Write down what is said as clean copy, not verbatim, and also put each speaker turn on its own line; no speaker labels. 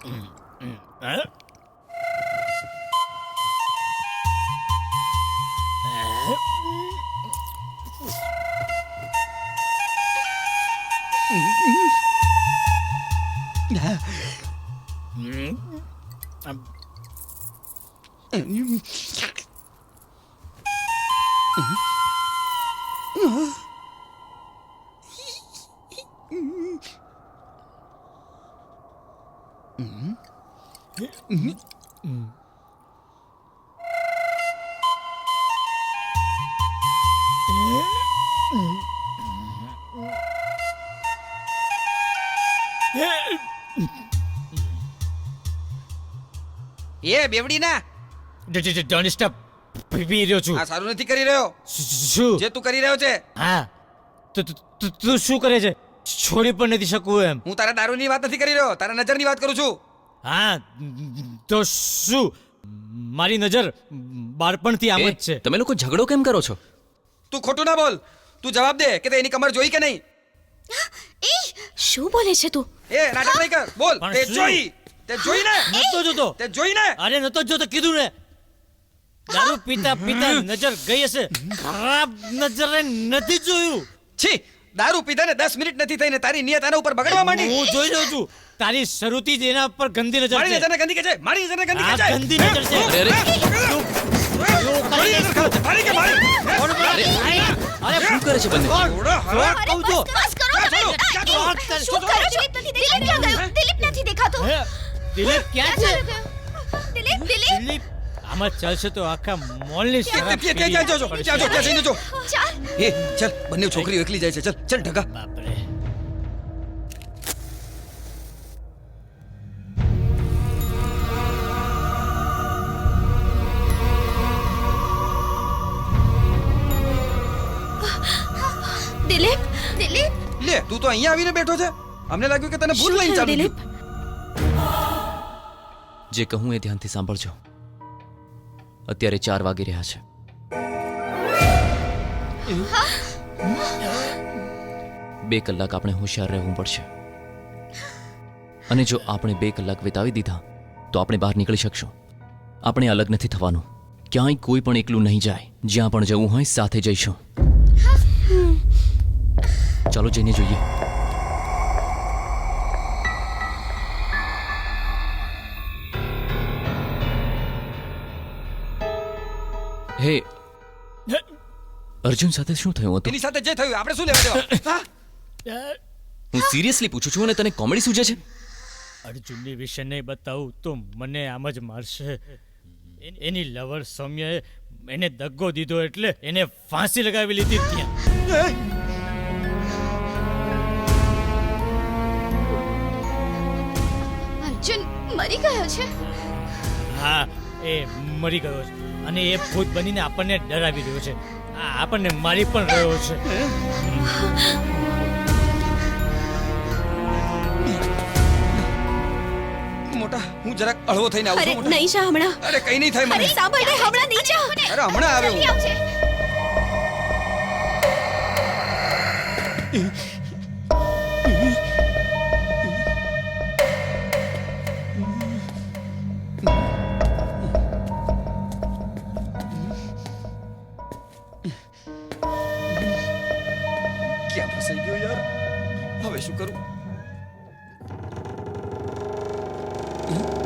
એ બેવડી ના
don't stop પી રહ્યો છું.
આ સારું નથી કરી રહ્યો.
શું
જે તું કરી રહ્યો છે
હા તું શું કરે છે? છોડી પણ નથી શકું એમ.
હું તારા દારૂની વાત નથી કરી રહ્યો, તારા નજરની વાત કરું છું.
હા તો શું? મારી નજર બાળપણથી આમ જ છે.
તમે લોકો ઝઘડો કેમ કરો છો?
તું ખોટું ના બોલ. તું જવાબ દે કે તે એની કમર જોઈ કે નહીં.
એ શું બોલે છે તું?
એ નાટક નહીં કર, બોલ.
પણ
તે
શું?
જોઈ, તે જોઈ ને,
નતો જોતો.
તે જોઈ ને.
અરે નતો જોતો કીધું ને. દારૂ પીતા પીતા નજર ગઈ હશે. ખરાબ નજરે નથી જોયું.
છી, દારૂ પીધાને 10 મિનિટ નથી થઈને તારી નિયત આના ઉપર બગડવા માંડી.
હું જોઈ રહ્યો છું. તારી શરૂથી જ એના પર ગંદી નજર
મારી
છે.
નજરને ગંદી કે છે, મારી નજરને ગંદી કે
આ
છે.
ગંદી નજર છે.
અરે
મારી નજર ખરાબ છે. મારી કે મારી.
અરે
શું કરે છે બંને?
ઓડા હરા.
કહું છું.
બસ કરો. શું કરો છો? દિલીપ ક્યાં ગયો? દિલીપ નથી દેખાતો.
હે, દિલીપ ક્યાં છે?
દિલીપ
દિલીપ આમાં ચાલશે તો આખા મોલની શરાબ
ત્યાં જાજો, ત્યાં જો, ત્યાં જઈને જો.
ચાલ.
એ ચાલ, બંને છોકરીઓ એકલી જાય છે. ચાલ, ચાલ ઢગા.
બાપરે.
દિલીપ દિલીપ
લે, તું તો અહીંયા આવીને બેઠો છે. અમને લાગ્યું કે તને ભૂલ
શું
લઈને
થયું,
ચાલુ
દિલીપ?
જે કહું એ ધ્યાનથી સાંભળજો. અત્યારે 4 વાગી રહ્યા છે. બે કલાક આપણે હોશિયાર રહેવું પડશે. અને જો આપણે 2 કલાક વિતાવી દીધા તો આપણે બહાર નીકળી શકશું. આપણે અલગ નથી થવાનું. ક્યાંય કોઈ પણ એકલું નહીં જાય. જ્યાં પણ જવું હોય સાથે જઈશું. ચાલો જઈને જોઈએ. હે, અર્જુન સાથે શું થયું હતું?
એની સાથે જે થયું આપણે શું લેવા દેવા? હા?
હું સિરિયસલી પૂછું છું અને તને કોમેડી સૂજે છે?
અર્જુનની વિશે નહીં બતાવું તો મને આમ જ મારશે. એની લવર સૌમ્યાએ એને દગ્ગો દીધો એટલે એને ફાંસી લગાવી લીધી ત્યાં.
અર્જુન મરી ગયો છે.
હા એ મરી ગયો છે અને એ ભૂત બનીને આપણને ડરાવી રહ્યો છે. આપણને મારી પણ રહ્યો છે.
મોટા, હું જરાક હળવો થઈને આવું
અરે
છું. મોટા.
નહીં જા હમણાં.
અરે કઈ નહીં થાય
અરે
મને.
સાંભળ ને, હમણાં નહીં જા.
અરે હમણાં આવે હું.
જલ્દી આવજે.
ક્યાં ફસાઈ ગયો યાર? હવે શું કરું?